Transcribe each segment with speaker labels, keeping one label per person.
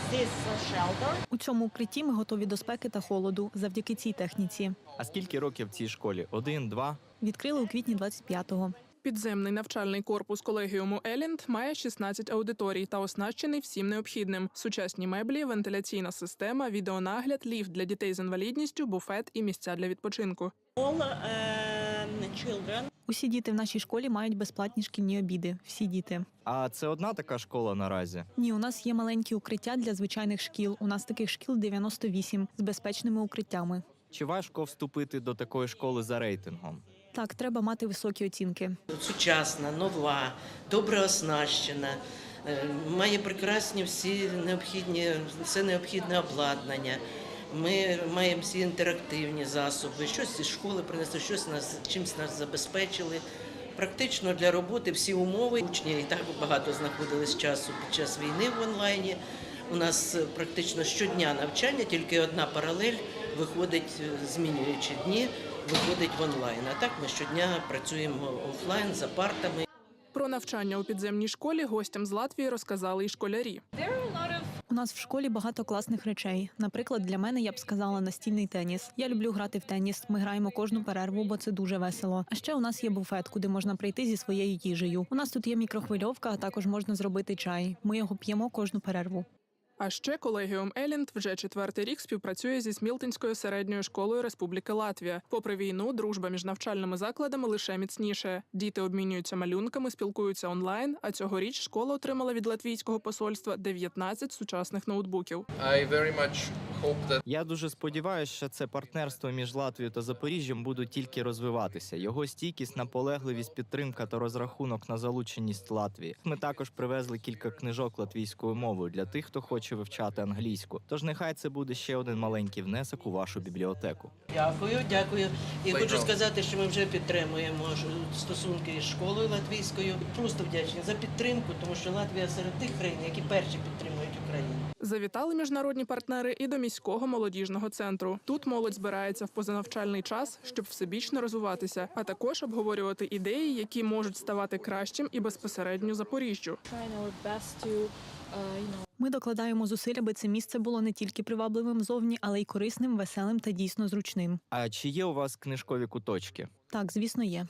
Speaker 1: У цьому укритті ми готові до спеки та холоду завдяки цій техніці.
Speaker 2: А скільки років цій школі? 1, 2?
Speaker 1: Відкрили у квітні 25-го.
Speaker 3: Підземний навчальний корпус колегіуму Елінд має 16 аудиторій та оснащений всім необхідним. Сучасні меблі, вентиляційна система, відеонагляд, ліфт для дітей з інвалідністю, буфет і місця для відпочинку.
Speaker 1: Усі діти в нашій школі мають безплатні шкільні обіди. Всі діти.
Speaker 2: А це одна така школа наразі?
Speaker 1: Ні, у нас є маленькі укриття для звичайних шкіл. У нас таких шкіл 98 з безпечними укриттями.
Speaker 2: Чи важко вступити до такої школи за рейтингом?
Speaker 1: Так, треба мати високі оцінки.
Speaker 4: Сучасна, нова, добре оснащена, має прекрасні все необхідне обладнання. Ми маємо всі інтерактивні засоби, щось із школи принесли, чимось нас забезпечили. Практично для роботи всі умови. Учні і так багато знаходились часу під час війни в онлайні. У нас практично щодня навчання, тільки одна паралель виходить, змінюючи дні, виходить в онлайн. А так ми щодня працюємо офлайн за партами.
Speaker 3: Про навчання у підземній школі гостям з Латвії розказали і школярі.
Speaker 1: У нас в школі багато класних речей. Наприклад, для мене, я б сказала, настільний теніс. Я люблю грати в теніс. Ми граємо кожну перерву, бо це дуже весело. А ще у нас є буфет, куди можна прийти зі своєю їжею. У нас тут є мікрохвильовка, а також можна зробити чай. Ми його п'ємо кожну перерву.
Speaker 3: А ще колегіум Елінд вже 4-й рік співпрацює зі Смілтинською середньою школою Республіки Латвія. Попри війну, дружба між навчальними закладами лише міцніше. Діти обмінюються малюнками, спілкуються онлайн, а цьогоріч школа отримала від латвійського посольства 19 сучасних ноутбуків.
Speaker 2: Я дуже сподіваюся, що це партнерство між Латвією та Запоріжжям буде тільки розвиватися. Його стійкість, наполегливість, підтримка та розрахунок на залученість Латвії. Ми також привезли кілька книжок латвійською мовою для тих, хто хоче вивчати англійську. Тож нехай це буде ще один маленький внесок у вашу бібліотеку.
Speaker 4: Дякую. І хочу сказати, що ми вже підтримуємо стосунки із школою латвійською. Просто вдячні за підтримку, тому що Латвія серед тих країн, які перші підтримують Україну.
Speaker 3: Завітали міжнародні партнери і до міського молодіжного центру. Тут молодь збирається в позанавчальний час, щоб всебічно розвиватися, а також обговорювати ідеї, які можуть ставати кращим і безпосередньо Запоріжжю.
Speaker 1: Ми докладаємо зусиль, аби це місце було не тільки привабливим зовні, але й корисним, веселим та дійсно зручним.
Speaker 2: А чи є у вас книжкові куточки?
Speaker 1: Так, звісно, є.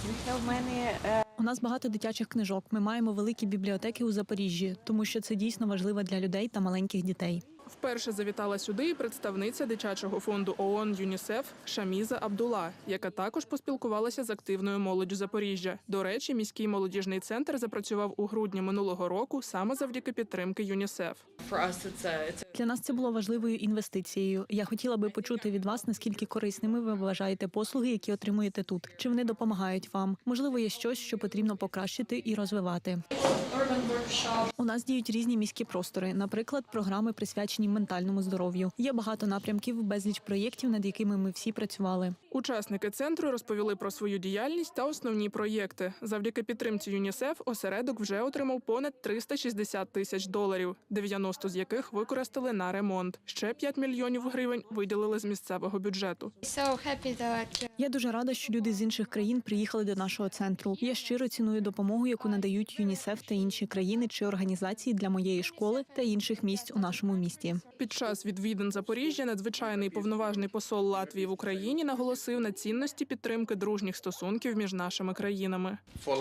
Speaker 1: У нас багато дитячих книжок. Ми маємо великі бібліотеки у Запоріжжі, тому що це дійсно важливо для людей та маленьких дітей.
Speaker 3: Вперше завітала сюди і представниця дитячого фонду ООН ЮНІСЕФ Шаміза Абдула, яка також поспілкувалася з активною молоддю Запоріжжя. До речі, міський молодіжний центр запрацював у грудні минулого року саме завдяки підтримки ЮНІСЕФ.
Speaker 1: Для нас це було важливою інвестицією. Я хотіла би почути від вас, наскільки корисними ви вважаєте послуги, які отримуєте тут. Чи вони допомагають вам? Можливо, є щось, що потрібно покращити і розвивати. У нас діють різні міські простори, наприклад, програми, присвячені ментальному здоров'ю. Є багато напрямків, безліч проєктів, над якими ми всі працювали.
Speaker 3: Учасники центру розповіли про свою діяльність та основні проєкти. Завдяки підтримці ЮНІСЕФ осередок вже отримав понад $360 тисяч, 90 з яких використали на ремонт. Ще 5 мільйонів гривень виділили з місцевого бюджету.
Speaker 1: Я дуже рада, що люди з інших країн приїхали до нашого центру. Я щиро ціную допомогу, яку надають ЮНІСЕФ та інші країни чи організації для моєї школи та інших місць у нашому місті.
Speaker 3: Під час відвідин Запоріжжя надзвичайний повноважний посол Латвії в Україні наголосив на цінності підтримки дружніх стосунків між нашими країнами.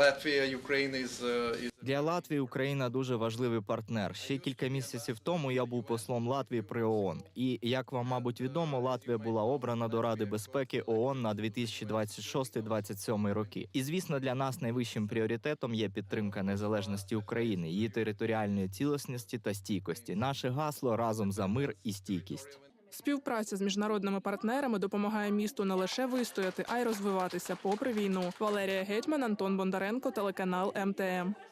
Speaker 2: Для Латвії Україна дуже важливий партнер. Ще кілька місяців тому я був послом Латвії при ООН. І, як вам, мабуть, відомо, Латвія була обрана до Ради безпеки ООН на 2026-2027 роки. І, звісно, для нас найвищим пріоритетом є підтримка незалежності України, її територіальної цілісності та стійкості. Наше гасло «Разом за мир і стійкість».
Speaker 3: Співпраця з міжнародними партнерами допомагає місту не лише вистояти, а й розвиватися попри війну. Валерія Гетьман, Антон Бондаренко, телеканал МТМ.